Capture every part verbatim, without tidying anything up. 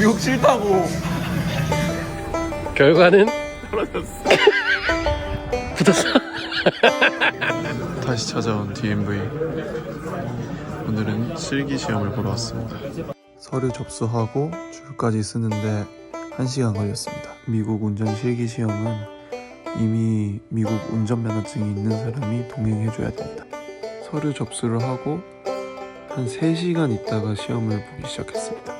미국 싫다고. 결과는 떨어졌어. 붙었어. 다시 찾아온 디엠브이. 오늘은 실기 시험을 보러 왔습니다. 서류 접수하고 줄까지 쓰는데 한 시간 걸렸습니다. 미국 운전 실기 시험은 이미 미국 운전면허증이 있는 사람이 동행해줘야 됩니다. 서류 접수를 하고 한 세 시간 있다가 시험을 보기 시작했습니다.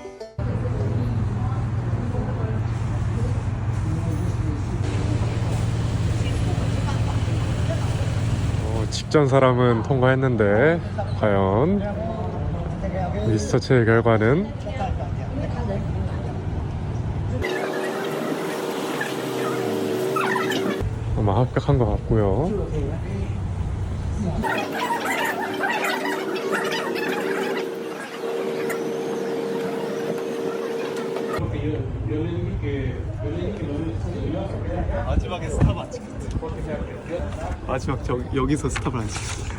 어, 직전 사람은 통과했는데 과연 리서치의 결과는 아마 합격한 것 같고요. 마지막에 스탑 안 찍혔어. 마지막 저 여기서 스탑을 안 찍혔어.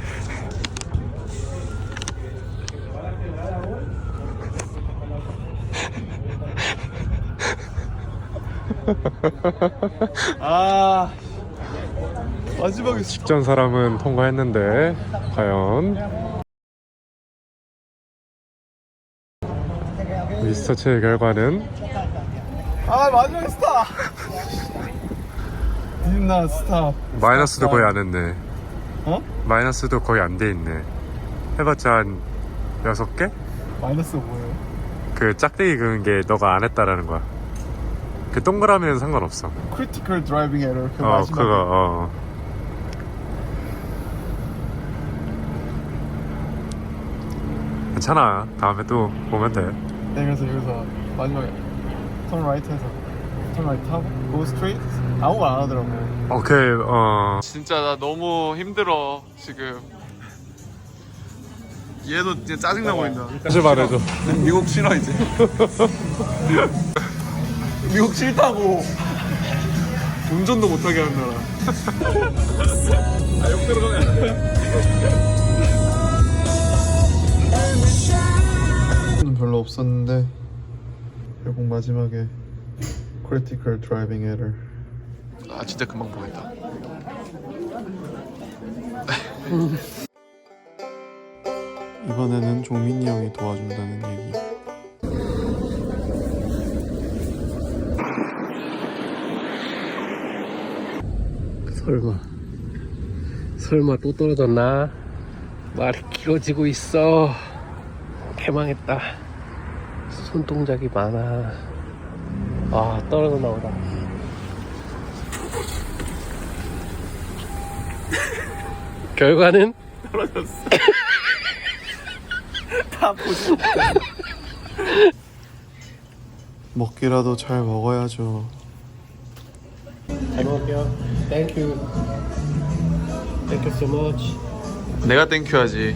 아 마지막에 스탑. 직전 사람은 통과했는데 과연 리서치의 결과는 아 마지막에 스탑. 니나 스탑. 마이너스도 거의 안 했네. 어? 마이너스도 거의 안 돼 있네. 해봤자 한 여섯 개? 마이너스가 뭐예요? 그 짝대기 그은 게 너가 안 했다라는 거야. 그 동그라미는 상관없어. 크리티컬 드라이빙 에러. 그 어 마지막에. 그거 어 괜찮아. 다음에 또 보면 돼. 네, 그래서 여기서 마지막에 턴 라이트에서 턴 라이트 하고 go straight 아무거 안 하더라고. 오케이 어 진짜 나 너무 힘들어 지금. 얘도 이제 짜증나 보인다. 다시 말해줘. 미국 싫어 이제. 미국 싫다고. 운전도 못하게 하는 나라. 아, 욕 들어가면 안 돼. 별로 없었는데 결국 마지막에 critical driving error. 아 진짜 금방 보겠다. 이번에는 종민이 형이 도와준다는 얘기. 설마 설마 또 떨어졌나? 말이 길어지고 있어. 개망했다. 손동작이 많아. 아 떨어졌나 보다. 결과는 떨어졌어. 다 보지. 먹기라도 잘 먹어야죠. 잘 먹을게요. Thank you. Thank you so much. 내가 땡큐하지.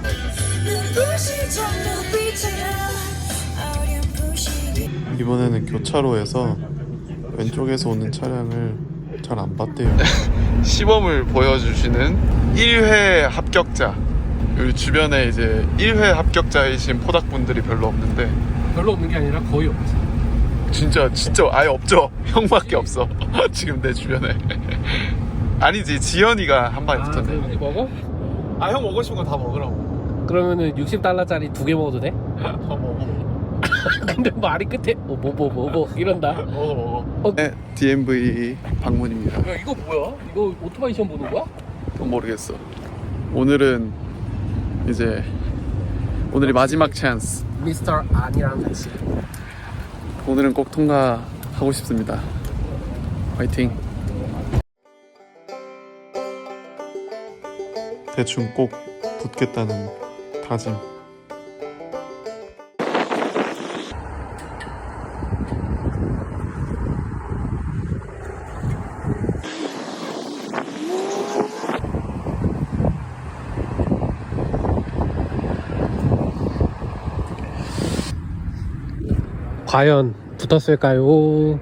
이번에는 교차로에서 왼쪽에서 오는 차량을 잘 안 봤대요. 시범을 보여주시는 일 회 합격자. 여기 주변에 이제 일 회 합격자이신 포닥분들이 별로 없는데. 별로 없는 게 아니라 거의 없지. 진짜 진짜 아예 없죠. 형밖에 없어. 지금 내 주변에. 아니지, 지연이가 한 방에 붙었네. 아, 먹어? 아, 형 먹고 싶은 거 다 먹으라고. 그러면은 육십 달러짜리 두 개 먹어도 돼? 더 먹어. 근데 말이 끝에 어, 뭐 뭐 뭐 뭐 이런다. 먹어 먹어. 어. 네, 디엠브이 방문입니다. 야 이거 뭐야? 이거 오토바이 시험 보는 거야? 그건 모르겠어. 오늘은 이제 오늘이 마지막 찬스. 미스터 아니랑 같이. 오늘은 꼭 통과하고 싶습니다. 화이팅. 대충 꼭 붙겠다는 다짐. 과연 붙었을까요?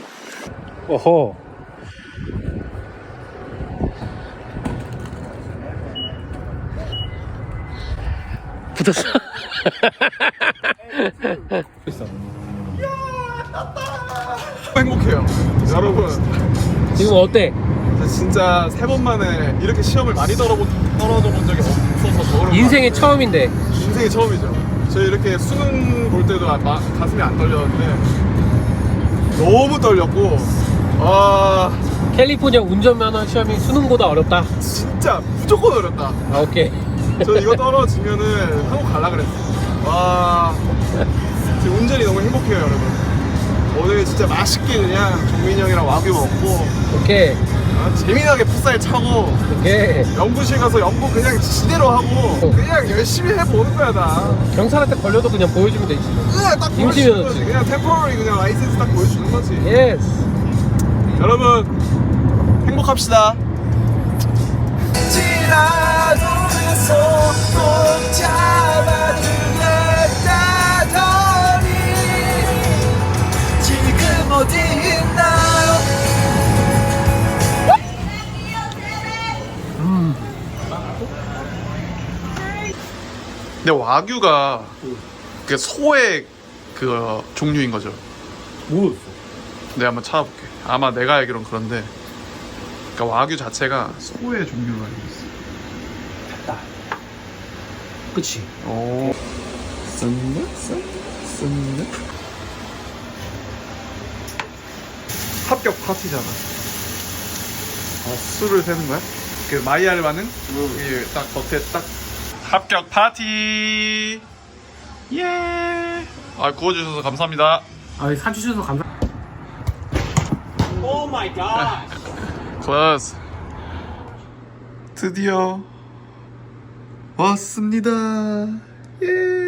어허. 붙었어. 행복해요. 여러분, 지금 어때? 진짜 세 번 만에 이렇게 시험을 많이 떨어보, 떨어져 본 적이 없어서 더 그런 것 인생의 같아요. 처음인데. 인생의 처음이죠. 저 이렇게 수능 볼 때도 아- 마- 가슴이 안 떨렸는데 너무 떨렸고, 아 캘리포니아 운전면허 시험이 수능보다 어렵다. 진짜 무조건 어렵다. 아, 오케이. 저 이거 떨어지면은 한국 갈라 그랬어요. 와, 지금 운전이 너무 행복해요, 여러분. 오늘 진짜 맛있게 그냥 종민이 형이랑 와규 먹고 오케이. 아, 재미나게 풋살 차고 오케이. 연구실 가서 연구 그냥 지대로 하고 그냥 열심히 해보는 거야 나. 경찰한테 걸려도 그냥 보여주면 되지. 그냥 딱 임시 보여주는 면허지. 거지. 그냥 템포러리 그냥 라이센스 딱 보여주는 거지. 예스. 여러분 행복합시다. 지금 어디 있나요? 근데 와규가 그 소의 그 종류인 거죠. 모르겠어. 내가 한번 찾아볼게. 아마 내가 알기론 그런데, 그러니까 와규 자체가 소의 종류로 알고 있어. 그치. 오. 쓴네? 쓴? 쓴네? 합격 파티잖아. 아, 술을 세는 거야? 그 마이알바는? 이게 딱 겉에 딱 합격 파티. 예. 아, 구워주셔서 감사합니다. 아, 사주셔서 감사. 오 마이 갓. 클래스. 드디어 왔습니다. 예.